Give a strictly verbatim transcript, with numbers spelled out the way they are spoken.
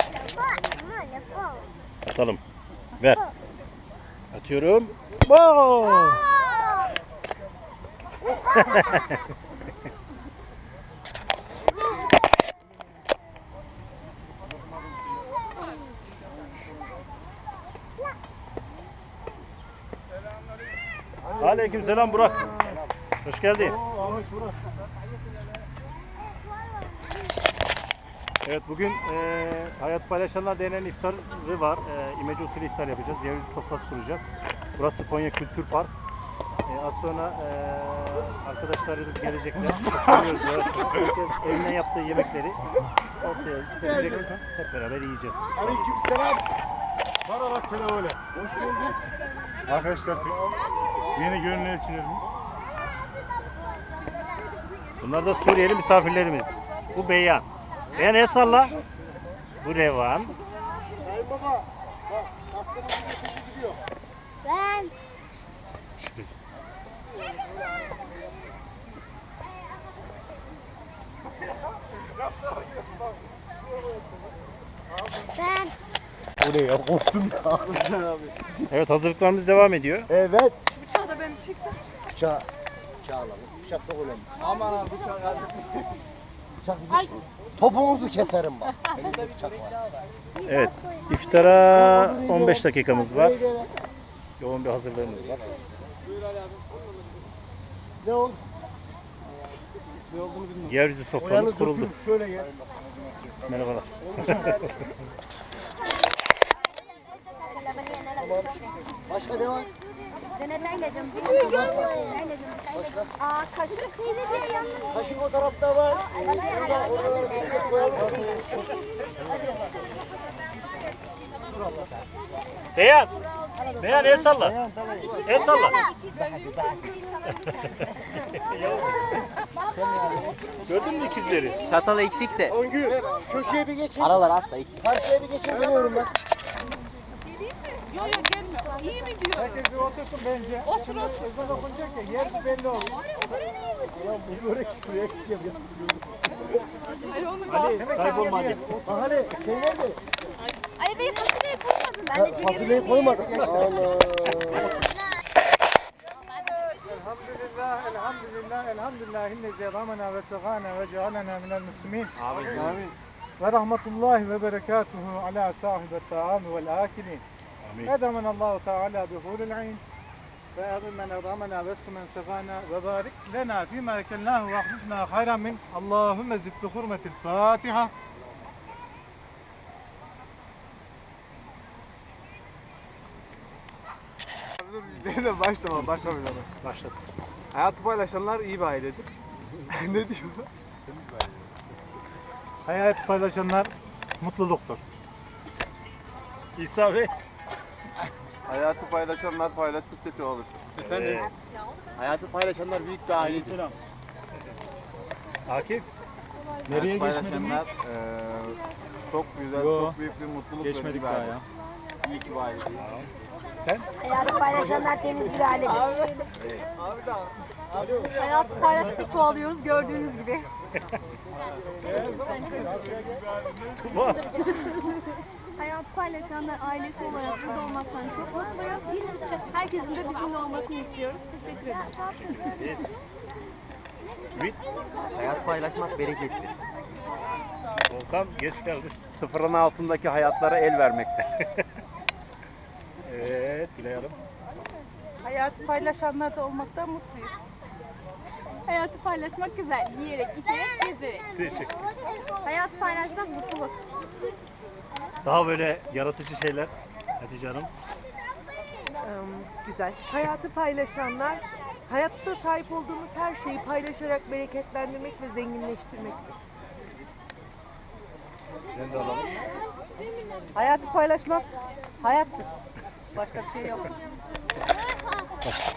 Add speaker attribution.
Speaker 1: Atalım. Ver. Atıyorum. Wow! Aleykümselam Burak. Hoş geldin. Evet, bugün e, Hayat Paylaşanlar denen iftarı var. E, İmece usulü iftar yapacağız. Yeryüzü sofrası kuracağız. Burası Konya Kültür Park. E, az sonra e, arkadaşlarımız gelecekler. Oturuyoruz yavaş yavaş. Herkes evinden yaptığı yemekleri ortaya gelecek. Hep beraber yiyeceğiz.
Speaker 2: Aleykümselam. Bana bak şöyle öyle. Hoş bulduk. Arkadaşlar yeni gönül elçilerim.
Speaker 1: Bunlar da Suriyeli misafirlerimiz. Bu Beyhan. Beyhan el salla. Bu Revan.
Speaker 2: Sayın baba. Bak tatlımızı getirdi gidiyor.
Speaker 3: Ben. Ben.
Speaker 2: Bu ne ya? Korktum ya.
Speaker 1: Evet, hazırlıklarımız devam ediyor.
Speaker 2: Evet.
Speaker 4: Şu bıçağı da ben çeksem.
Speaker 2: Bıçağı. Bıçağı alalım. Bıçak çok önemli.
Speaker 4: Aman abi bıçağı geldi.
Speaker 2: Bıçak bizim. Topuğunuzu keserim bak. Elimde bıçak var.
Speaker 1: Evet, iftara on beş dakikamız var. Yoğun bir hazırlığımız var.
Speaker 2: Ne oldu?
Speaker 1: Yeryüzü soframız kuruldu.
Speaker 2: Şöyle gel.
Speaker 1: Merhabalar.
Speaker 2: Başka ne var?
Speaker 3: Aa, kaşık
Speaker 2: Kaşık o tarafta var. Orada, oraları bir koyalım.
Speaker 1: Beyhan. Beyhan el salla. El salla. Gördün mü ikizleri?
Speaker 5: Çatal eksikse
Speaker 2: Öngür, şu köşeye bir geçin.
Speaker 5: aralar atla eksik.
Speaker 2: Karşıya bir geçin demiyorum ben.
Speaker 4: Yok yok gelmiyor. İyi mi diyor?
Speaker 2: Herkes bir otursun bence.
Speaker 4: Otur otur.
Speaker 2: Ezan okunacak ya, yer belli olur. Ya bu börek şuraya gideceğim ya.
Speaker 4: Ay onu kalsın.
Speaker 2: Kaybolma hadi. Bahane, şey nerede?
Speaker 3: Ay benim fasulyeyi koymadın. Ben
Speaker 2: Ha,
Speaker 3: de
Speaker 2: fasulyeyi koymadık. Allah. Elhamdülillah, elhamdülillah, elhamdülillah. İnnezi ramana ve segana ve cealena minel muslimin. Amin. Amin. Ve rahmetullahi ve berekatuhu ala sahibet ta'ami vel akilin. أدمن الله تعالى بحور العين فأغن من أضامنا واسق من سقانا وبارك لنا فيما أكلناه واخلفنا خيرا من اللهم زد بحرمة الفاتحة.
Speaker 6: Benimle başlama, başlamayalım.
Speaker 1: Başladık.
Speaker 6: Hayatı paylaşanlar iyi bir ailedir. Ne diyor?
Speaker 2: Hayat paylaşanlar mutluluktur.
Speaker 1: İsa Bey.
Speaker 6: Hayatı paylaşanlar paylaştıkça olur.
Speaker 1: Efendim.
Speaker 5: Hayatı paylaşanlar büyük bir ailedir.
Speaker 1: Akif.
Speaker 2: Nereye
Speaker 6: Paylaşanlar eee çok güzel, çok büyük bir mutluluk geçmedik daha ya. İyi ki bir aile.
Speaker 1: Sen?
Speaker 3: hayatı paylaşanlar temiz bir ailedir.
Speaker 4: Hayatı paylaştık çoğalıyoruz gördüğünüz gibi.
Speaker 1: Tuba.
Speaker 7: Hayatı paylaşanlar ailesi olarak burada olmaktan çok mutluyuz. Herkesin de bizimle olmasını istiyoruz. Teşekkür ederiz.
Speaker 1: Biz. Ümit.
Speaker 5: Hayat paylaşmak berekettir.
Speaker 1: Volkan geç geldi.
Speaker 5: Sıfırın altındaki hayatlara el vermektir.
Speaker 1: Evet, Gülay Hanım.
Speaker 4: Hayatı paylaşanlarda olmaktan mutluyuz.
Speaker 7: Hayatı paylaşmak güzel. Yiyerek, içerek, gezerek.
Speaker 1: Teşekkür.
Speaker 7: Hayatı paylaşmak mutluluk.
Speaker 1: Daha böyle yaratıcı şeyler. Hatice Hanım.
Speaker 4: Güzel. Hayatı paylaşanlar, hayatta sahip olduğumuz her şeyi paylaşarak bereketlendirmek ve zenginleştirmektir.
Speaker 1: Sizden de alalım.
Speaker 4: Hayatı paylaşmak hayattır. Başka bir şey yok.